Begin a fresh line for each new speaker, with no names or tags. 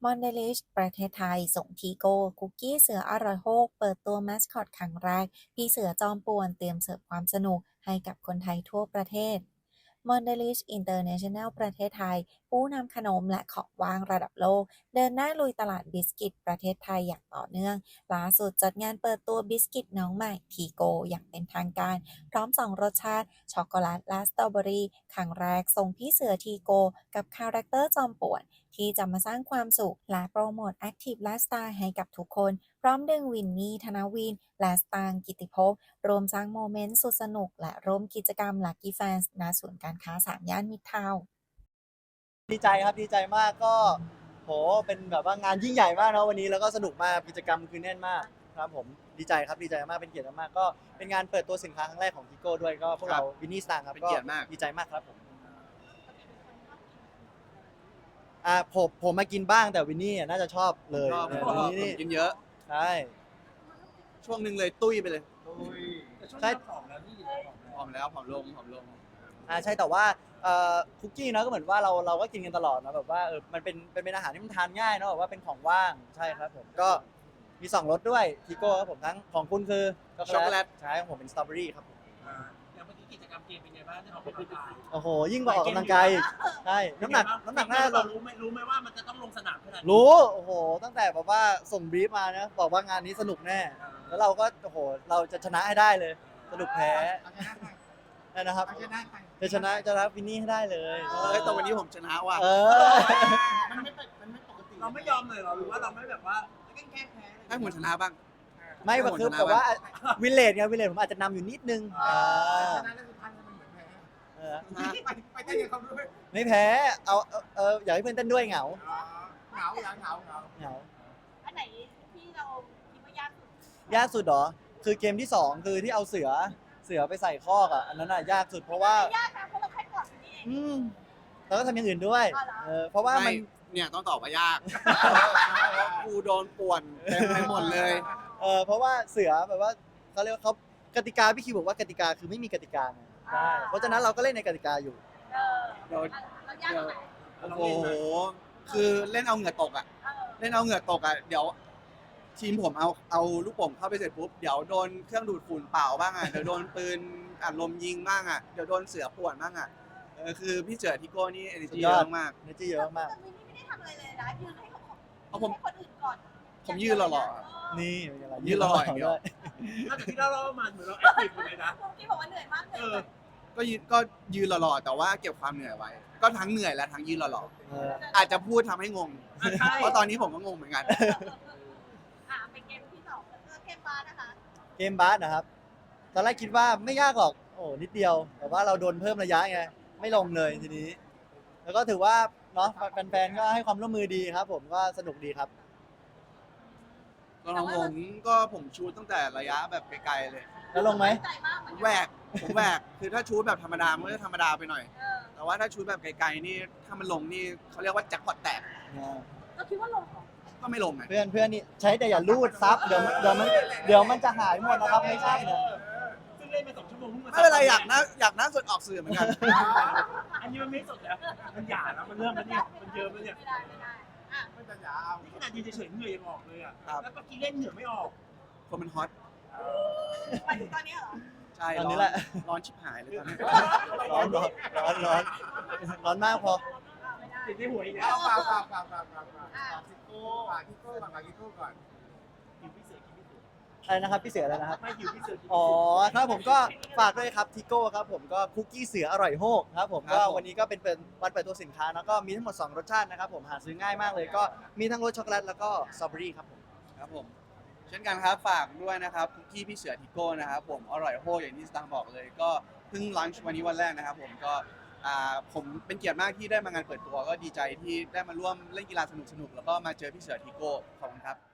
มอนเดลิชประเทศไทยส่งทีโก้คุกกี้เสืออร่อยโฮกเปิดตัวแมสคอตครั้งแรกพี่เสือจอมป่วนเตรียมเสิร์ฟความสนุกให้กับคนไทยทั่วประเทศมอนเดลิชอินเตอร์เนชั่นแนลประเทศไทยผู้นำขนมและของว่างระดับโลกเดินหน้าลุยตลาดบิสกิตประเทศไทยอย่างต่อเนื่องล่าสุดจัดงานเปิดตัวบิสกิตน้องใหม่ทีโกอย่างเป็นทางการพร้อมสองรสชาติช็อกโกแลตและสตรอเบอรี่ครั้งแรกส่งพี่เสือทีโกกับคาแรคเตอร์จอมป่วน ที่จะมาสร้างความสุขและโปรโมท Active Lifestyle ให้กับทุกคน พร้อมดึงวินนี่ธนวิน และสตางค์กิติภพรวมสร้างโมเมนต์สุดสนุกและร่วมกิจกรรม Lucky Fans ณศูนย์การค้า3ย่านมิตรทาวน์
ดีใจครับดีใจมากก็โหเป็นแบบว่างานยิ่งใหญ่มากนะวันนี้แล้วก็สนุกมากกิจกรรมคือแน่นมากครับผมดีใจครับดีใจมากเป็นเกียรติมากก็เป็นงานเปิดตัวสินค้าครั้งแรกของทิโก้ด้วยก็พวกเราวินนี่สตางค์ครับ
เป็นเกียรติมาก
ดีใจมากครับผมผมมากินบ้างแต่วินนี่น่าจะชอบเลย
ชอบ
วินนี่นี่
กินเยอะ
ใช่
ช่วงหนึ่งเลยตุ้ยไปเลย
ใช่
ผอมแล้วผอมลง
ใช่แต่ว่าคุกกี้เนาะก็เหมือนว่าเราก็กินกันตลอดนะแบบว่ามันเป็นอาหารที่มันทานง่ายเนาะแบบว่าเป็นของว่างใช่ครับผมก็มี2รสด้วยทิโก้ครับผมทั้งของคุณคือช็อกโกแลตใช่ของผมเป็นสตรอเบอรี่ครับผม
อย่างเมื่อกี้กิจกรรมเกมเป็นไงบ้างที่ออกกำลังกาย
โอ้โหยิ่งกว่าออกกำลังกายอีกใช่น้ำหนักน่าจะล
เรา
ง
รู้ไหมว่ามันจะต้องลงสนามขนาดนี้
รู้โอ้โหตั้งแต่แบบว่าส่งบรีฟมานะบอกว่างานนี้สนุกแน่แล้วเราก็โอ้โหเราจะชนะให้ได้เลยสนุกแพ้ได้นะครับจะชนะวินนี่ให้ได้เลย
แต่วันนี้ผมชนะว่ะ
มันไม่ปกติเราไม่ยอมเลยเหรอหรือว่าเราไม่แบบว่าแกล้งแพ้
ให้ผมชนะบ้าง
ไม่แบบคือแบบว่าวิลเลจไงวิลเลจผมอาจจะนำอยู่นิดนึง
ชนะแล้วสุดท้ายมันเหมือนแพ้
เออ
ไปเต้นกับเขาด้วย
ไม่แพ้อยากให้เพื่อนเต้นด้วยเหงา
เหงา
เหงา
อันไหนที่เราคิดว่ายากสุด
ยากสุดเหรอคือเกมที่2คือที่เอาเสือไปใส่คอกอ่ะอันนั้นอ่ะยากสุดเพราะว่าย
ากนะเพราะเราแค่กอดอยู่นี่เอง
อืมแล้วก็ทำอย่างอื่นด้วย
อ๋อเหรอ
เพราะว่ามัน
เนี่ยต้องตอบว่ายาก กูโดนป่วนเต็มไปหมดเลย
เพราะว่าเสือแบบว่าเขาเรียกว่าเขากติกาพี่คิวบอกว่ากติกาคือไม่มีกติกาไงใช่เพราะฉะนั้นเราก็เล่นในกติกาอยู่
เออเรายากตรงไหน
โอ้โห คือเล่นเอาเหงื่อตกอ่ะ
เออ
เล่นเอาเหงื่อตกอ่ะ เดี๋ยวทีมผมเอาลูกโป่งเข้าไปเสร็จปุ๊บ เดี๋ยวโดนเครื่องดูดฝุ่นเปล่าบ้างอ่ะ เดี๋ยวโดนปืนอัดลมยิงบ้างอ่ะ เดี๋ยวโดนเสือป่วนบ้างอ่ะ คือพี่เจอทิโก้นี่ energy เยอะมาก
เนจี้เยอะมาก
แต่วินนี่ไม่ได้ทำอะไรเลยนะยืนให้เขา
เอาผม
ให้คนอื่นก่อน
ผมยืนหล่อ
นี่เป็นไงล่ะ
ยืนรออย่างเดียว
นอกจากที่เรามาเหมือนเราแอคทีฟเลยนะ
ที่บอกว่าเหนื่อยมากเลย
ก็ยืนหล่อๆแต่ว่าเก็บความเหนื่อยไว้ ก็ทั้งเหนื่อยและทั้งยืนหล่อ
เออ
ๆอาจจะพูดทำให้งง
ใช่
เพราะตอนนี้ผมก็งงเหมือนกัน
เป็นเกมที่สองเกมบาสนะคะ
เกมบาสนะครับตอนแรกคิดว่าไม่ยากหรอกโอ้นิดเดียว แต่ว่าเราโดนเพิ่มระยะไงไม่ลงเลยทีนี้ แล้วก็ถือว่าเนาะแฟนๆก็ให้ความร่วมมือดีครับ ผมก็สนุกดีครับ
ตอนของผมชูตตั้งแต่ระยะแบบไกลๆเลย
แล้วลงไหม
ใจมากเหมือน
แหวกผมแหวกคือถ้าชูตแบบธรรมดามันก็จะธรรมดาไปหน่อย แต่ว่าถ้าชูตแบบไกลๆนี่ถ้ามันลงนี่เขาเรียกว่าแจ็คพอตแตก
เราคิดว่าลงเหรอ
ก็ไม่ลงไง
เพื่อนนี่ใช้แต่อย่าลูดซับเดี๋ยวมันจะหายหมดนะครับไม่ใช่นะ
ซึ่งเล่นมา2 ชั่วโมงเพิ่งมา
ไม่เป็นไรอยากนั่งสดออกสื่อเหมือนกัน
อันนี้มันไม่สดแล้วมันหยาแล้วมันเริ่มแล้วเนี่ยมันเยอะแล้วเนี่ย
ไม่ได้อ่ะ
มันจะหยานี่ขนาดยืนเฉยๆเหนื่อยยังออกเลยอ่ะ
ครับ
แล้วเมื่อกี้เล่นเหนื่อยไม่ออก
คนมันฮอต
ไปถึงตอนนี้เหรอ
ใช่
ตอนนี้แหละ
ร้อนชิบหายเลยตอนนี้
ร้อนมากพอ
ไม่ได้
ติดในหัวอีกแล้
เอา
ว
ฝากทิโก้ก่อน
คิวพี่เสือคิวพี่เสือ
อะไรนะครับพี่เสืออะไรนะครับ
ไม่คิวพี่เสือ
อ๋อครับผมก็ฝากด้วยครับทิโก้ครับผมก็คุกกี้เสืออร่อยโฮกครับผมก็วันนี้ก็เป็นวันเปิดตัวสินค้าแล้วก็มีทั้งหมด2รสชาตินะครับผมหาซื้อง่ายมากเลยก็มีทั้งรสช็อกโกแลตแล้วก็สตรอเบอรี่ครับผม
ครับผม เช่นกันครับฝากด้วยนะครับคุกกี้พี่เสือทิโก้นะครับผมอร่อยโฮอย่างที่สตางค์บอกเลย ก็เพิ่งลันช์วันนี้วันแรกนะครับผมก็ผมเป็นเกียรติมากที่ได้มางานเปิดตัวก็ดีใจที่ได้มาร่วมเล่นกีฬาสนุกๆแล้วก็มาเจอพี่เสือทิโก้ขอบคุณครับ